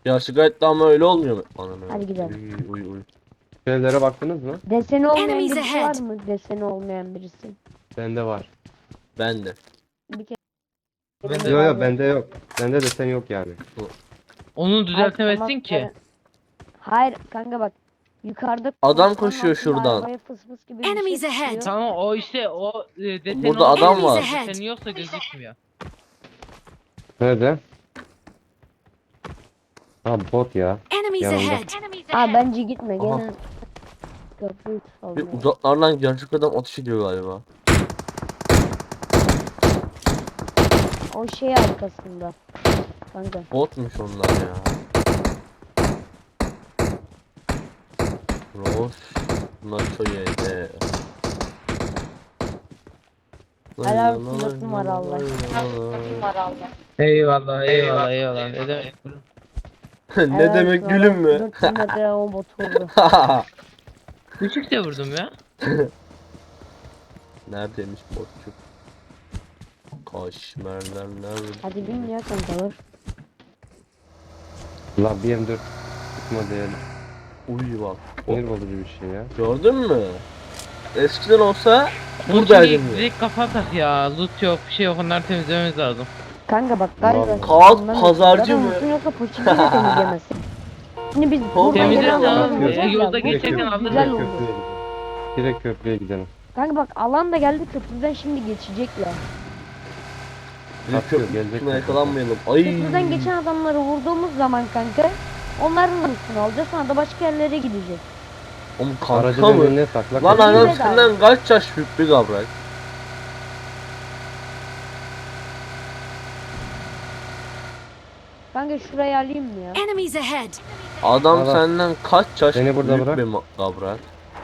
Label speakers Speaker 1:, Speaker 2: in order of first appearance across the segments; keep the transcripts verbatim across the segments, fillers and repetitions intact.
Speaker 1: Gerçek hayatta ama öyle olmuyor mu? Ananı.
Speaker 2: Hadi gidelim.
Speaker 1: Uy uy uy.
Speaker 3: Şeylere baktınız mı?
Speaker 2: Deseni olmayan
Speaker 4: Enemies
Speaker 2: birisi
Speaker 4: ahead.
Speaker 2: var mı? Deseni olmayan birisi.
Speaker 3: Bende var.
Speaker 1: Ben de.
Speaker 2: Bir kere.
Speaker 5: Bende-
Speaker 3: Yok yok bende yok. Bende de sen yok yani.
Speaker 5: Onu
Speaker 2: Hayır,
Speaker 5: düzeltemezsin
Speaker 2: tamam,
Speaker 5: ki.
Speaker 2: ben- Hayır kanka bak. Yukarıda
Speaker 1: Adam
Speaker 2: koşmanın
Speaker 1: koşuyor
Speaker 2: altında
Speaker 1: şuradan.
Speaker 2: arabaya fıs fıs gibi bir şey
Speaker 4: Enemies ahead.
Speaker 2: çıkıyor.
Speaker 5: Tamam o işte o e, desen
Speaker 1: Burada
Speaker 5: olsa-
Speaker 1: adam var.
Speaker 4: Enemies ahead.
Speaker 5: Deseni yoksa gözükmüyor.
Speaker 3: Nerede? Ha bot ya.
Speaker 4: Enemies
Speaker 3: Yanımda.
Speaker 4: ahead.
Speaker 2: Ha bence gitme
Speaker 1: Aha.
Speaker 2: gene. Köprüyü
Speaker 1: Bir
Speaker 2: salmıyor.
Speaker 1: uzaklardan gerçek adam ateş ediyor galiba.
Speaker 2: O şey arkasında. Kanka.
Speaker 1: Botmuş onlar ya. Roş. Nacho yedi.
Speaker 2: Helal olsun, dört numara Allah.
Speaker 5: Eyvallah eyvallah eyvallah. Ne demek?
Speaker 1: Ne demek gülüm mü?
Speaker 2: dört metre o bot vurdu.
Speaker 5: Küçük de vurdum ya.
Speaker 1: Neredeymiş botçuk? Kaşmerler nerede?
Speaker 2: Hadi bin ya kankalar.
Speaker 3: La B M dört çıkma değil.
Speaker 1: Uy bak.
Speaker 3: Sinir bozucu bir şey ya.
Speaker 1: Gördün mü? Eskiden olsa
Speaker 5: Buradaydım.
Speaker 1: buradaydım ya.
Speaker 5: Direkt kafa tak ya. Loot yok bir şey yok onları temizlememiz lazım.
Speaker 2: Kanka bak galiba.
Speaker 3: Vallahi.
Speaker 1: Kağıt
Speaker 2: Ondan
Speaker 1: pazarcı
Speaker 2: zaten
Speaker 1: mı?
Speaker 2: Mutun yoksa poşeti de temizlemezsin. Şimdi biz
Speaker 1: Oğlum,
Speaker 2: buradan
Speaker 5: temizle
Speaker 2: gelen
Speaker 5: tamam,
Speaker 2: alanı
Speaker 5: e,
Speaker 2: bulacağız
Speaker 5: yolda
Speaker 2: ya, bu
Speaker 5: geçerken
Speaker 2: çok
Speaker 5: alırız.
Speaker 2: güzel
Speaker 3: Direkt
Speaker 2: oldu.
Speaker 3: köprüye gidelim. Direkt köprüye gidelim.
Speaker 2: Kanka bak alan da geldi köprüden şimdi geçecekler.
Speaker 1: Bir
Speaker 3: Atıyor,
Speaker 1: köprü
Speaker 3: gelecek
Speaker 1: üstüne
Speaker 3: zaten.
Speaker 1: yakalanmayalım. Ay.
Speaker 2: Köprüden geçen adamları vurduğumuz zaman kanka onların üstüne alacağız sonra da başka yerlere gideceğiz.
Speaker 1: Oğlum
Speaker 3: Aracın
Speaker 1: kanka mı?
Speaker 3: önüne sakla.
Speaker 1: Lan
Speaker 3: köprüye
Speaker 1: anam
Speaker 2: Bedava.
Speaker 1: senden kaç yaş büyük bir gavrak?
Speaker 2: Kanka şurayı alayım mı ya?
Speaker 4: Enemies ahead.
Speaker 1: Adam
Speaker 3: Valla.
Speaker 1: senden kaç yaş
Speaker 3: Beni burada
Speaker 1: büyük
Speaker 3: bırak.
Speaker 1: bir ma- gavrak?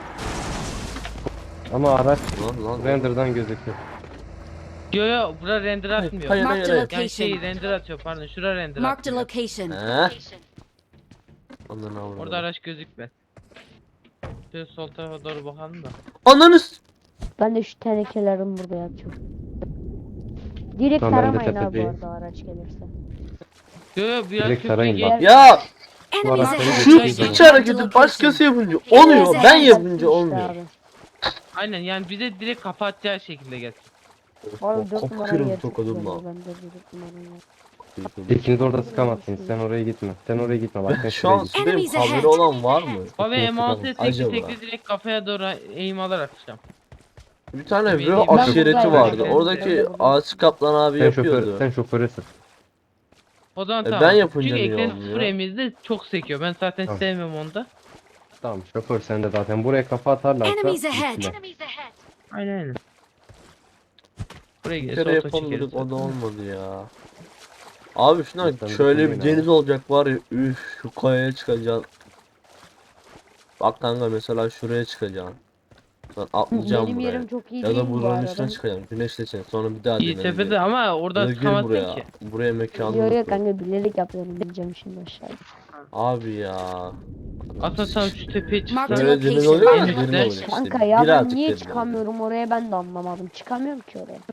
Speaker 3: Ama araç
Speaker 1: Lan lan.
Speaker 3: render'dan gözüküyor.
Speaker 5: Yo yo bura render atmıyor.
Speaker 1: hayır,
Speaker 4: Marked a
Speaker 1: hayır.
Speaker 5: Yani şey
Speaker 4: location.
Speaker 5: render atıyor pardon şura render
Speaker 4: Marked a
Speaker 5: atıyor.
Speaker 4: location.
Speaker 1: He? Ananı avradım.
Speaker 5: Orada araç gözükmez. Şöyle sol tarafa doğru bakalım da.
Speaker 1: Ananı s-
Speaker 2: Ben de şu tenekelerim burada yatıyor. Direkt
Speaker 3: Tamam, ben de
Speaker 2: taramayın abi bu
Speaker 3: tepedeyim.
Speaker 2: arada araç gelirse.
Speaker 5: Yo yo biraz
Speaker 3: Direkt
Speaker 5: köprüye
Speaker 3: sarayın
Speaker 5: gel.
Speaker 3: bak.
Speaker 1: Ya
Speaker 4: Enemies
Speaker 3: araçları
Speaker 4: ahead.
Speaker 1: şu
Speaker 3: geçtiği
Speaker 1: iç
Speaker 3: zaman.
Speaker 1: hareketi başkası yapınca oluyor.
Speaker 4: Enemies
Speaker 1: Ben
Speaker 4: ahead.
Speaker 1: yapınca
Speaker 2: İşte
Speaker 1: olmuyor.
Speaker 2: abi.
Speaker 5: Aynen yani bize direkt kafa atacağı şekilde gelsin.
Speaker 2: Bu arada dört numara
Speaker 1: Kapatırım
Speaker 2: yer
Speaker 1: tokadımla.
Speaker 2: tutuyor, ben de dört numara yer.
Speaker 3: İkiniz de orada sıkamazsınız. Sen oraya gitme. Sen oraya gitme. Bak sen
Speaker 1: Şu
Speaker 3: şuraya
Speaker 1: an
Speaker 3: git.
Speaker 1: sudayım.
Speaker 4: Enemies
Speaker 1: Haberi
Speaker 4: ahead.
Speaker 1: olan var mı?
Speaker 5: Abi M altı tekli
Speaker 1: Acaba.
Speaker 5: tekli direkt kafaya doğru eğim alarak atacağım.
Speaker 1: Bir tane
Speaker 5: Ben
Speaker 1: Vero
Speaker 5: buradayım.
Speaker 1: aşireti
Speaker 5: Ben
Speaker 1: vardı.
Speaker 5: buradayım.
Speaker 1: Oradaki
Speaker 2: Ben buradayım.
Speaker 1: Ağaç Kaplan abi
Speaker 3: Sen şoför,
Speaker 1: yapıyordu.
Speaker 3: sen şoföre sık.
Speaker 5: O zaman
Speaker 1: E,
Speaker 5: tamam.
Speaker 1: ben yapınca
Speaker 5: Çünkü
Speaker 1: niye
Speaker 5: eklenti
Speaker 1: olmuyor?
Speaker 5: sıfır emizde çok sekiyor. Ben zaten
Speaker 3: Tamam.
Speaker 5: sevmiyorum onda.
Speaker 3: Tamam şoför sende zaten. Buraya kafa atarlarsa
Speaker 4: Enemies ahead.
Speaker 3: gittiler.
Speaker 5: Aynen öyle. Buraya
Speaker 1: Bir
Speaker 5: gelirse
Speaker 1: kere
Speaker 5: oto
Speaker 1: yapalım
Speaker 5: çekeriz.
Speaker 1: dedik o da olmadı ya. Abi şuna
Speaker 3: Sen
Speaker 1: şöyle bir
Speaker 3: düşünmeyin
Speaker 1: deniz olacak var ya, üf şu kayaya çıkacaksın. Bak kanka mesela şuraya çıkacaksın. Sen atlayacaksın
Speaker 2: Benim
Speaker 1: buraya.
Speaker 2: yerim çok iyi
Speaker 1: Ya
Speaker 2: değil
Speaker 1: da
Speaker 2: bu
Speaker 1: buranın
Speaker 2: arada.
Speaker 1: üstüne çıkacaksın. Güneşleceksin. Sonra bir daha
Speaker 5: İyi
Speaker 1: deneriz.
Speaker 5: tepede ama
Speaker 1: Ya
Speaker 5: orada
Speaker 1: da gir
Speaker 5: çıkamazsın
Speaker 1: buraya.
Speaker 5: ki.
Speaker 1: Buraya mekanı.
Speaker 2: Yo yo kanka bilerek yapıyorum bineceğim şimdi aşağıya.
Speaker 1: Abi ya.
Speaker 5: Aslında tam şu tepeye
Speaker 4: Marked
Speaker 5: çıksak.
Speaker 4: a
Speaker 1: Böyle deniz
Speaker 4: location.
Speaker 1: oluyor ya
Speaker 5: En
Speaker 1: derin
Speaker 5: üstte.
Speaker 1: oluyor işte.
Speaker 2: Kanka ya ben
Speaker 1: Birazcık
Speaker 2: niye
Speaker 1: derin
Speaker 2: çıkamıyorum oraya ben de anlamadım. Çıkamıyorum ki oraya.
Speaker 1: oluyor.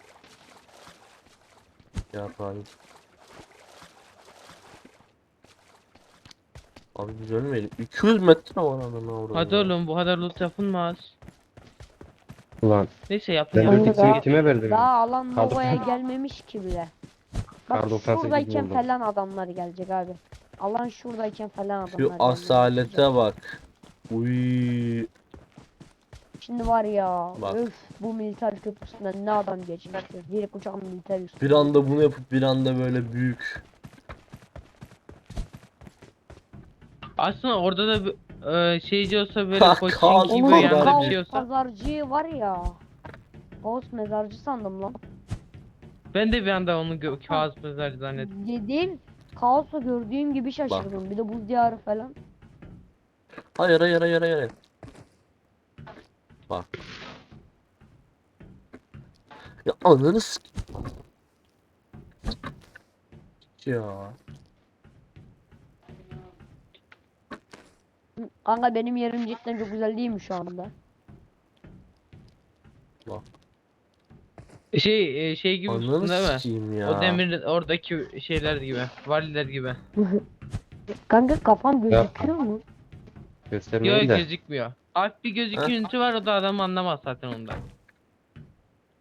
Speaker 1: Ya abi. Abi biz ölmeyelim. iki yüz metre var anana orada.
Speaker 5: Hadi oğlum bu kadar loot yapılmaz.
Speaker 3: Ulan
Speaker 5: Neyse
Speaker 3: ben
Speaker 5: yapın
Speaker 2: Kanka
Speaker 3: dört
Speaker 5: yapın.
Speaker 2: daha-
Speaker 3: x'i kime verdim?
Speaker 2: Daha alan
Speaker 3: Kaldı.
Speaker 2: Nova'ya gelmemiş ki bile. Bak
Speaker 3: Kar doksan sekiz
Speaker 2: şuradayken
Speaker 3: buldum.
Speaker 2: falan adamlar gelecek abi. Alan şuradayken falan adamlar
Speaker 1: Şu
Speaker 2: gelmeye
Speaker 1: asalete
Speaker 2: başlayacak.
Speaker 1: bak. Uy.
Speaker 2: Şimdi var ya
Speaker 1: Bak.
Speaker 2: öf bu militer köprüsünden ne adam geçmiş. Direkt uçağın militer üstü.
Speaker 1: Bir anda bunu yapıp bir anda böyle büyük.
Speaker 5: Aslında orada da bir, e, şeyci olsa böyle
Speaker 1: Ha,
Speaker 5: coaching
Speaker 1: kaos
Speaker 5: gibi
Speaker 2: Oğlum
Speaker 5: yani bir
Speaker 2: kaos
Speaker 5: şey olsa.
Speaker 2: pazarcı var ya. Kaos mezarcı sandım lan.
Speaker 5: Ben de bir anda onu gö- kağıt mezarcı zannettim.
Speaker 2: Dediğim kaosu gördüğüm gibi şaşırdım. Bir de buz diyarı falan.
Speaker 1: Hayır hayır hayır hayır. Bak. Ya ananı s- Ya.
Speaker 2: Kanka benim yerim cidden çok güzel değil mi şu anda?
Speaker 5: Şey e, şey gibi
Speaker 1: Ananı
Speaker 5: tutun değil mi?
Speaker 1: sikeyim ya.
Speaker 5: O demir oradaki şeyler gibi, valiler gibi.
Speaker 2: Kanka kafam
Speaker 3: Ya.
Speaker 2: gözüküyor mu?
Speaker 5: Yok
Speaker 3: Göstermeyin de.
Speaker 5: gözükmüyor. Hafif bir gözüküntü var, o da adam anlamaz zaten ondan.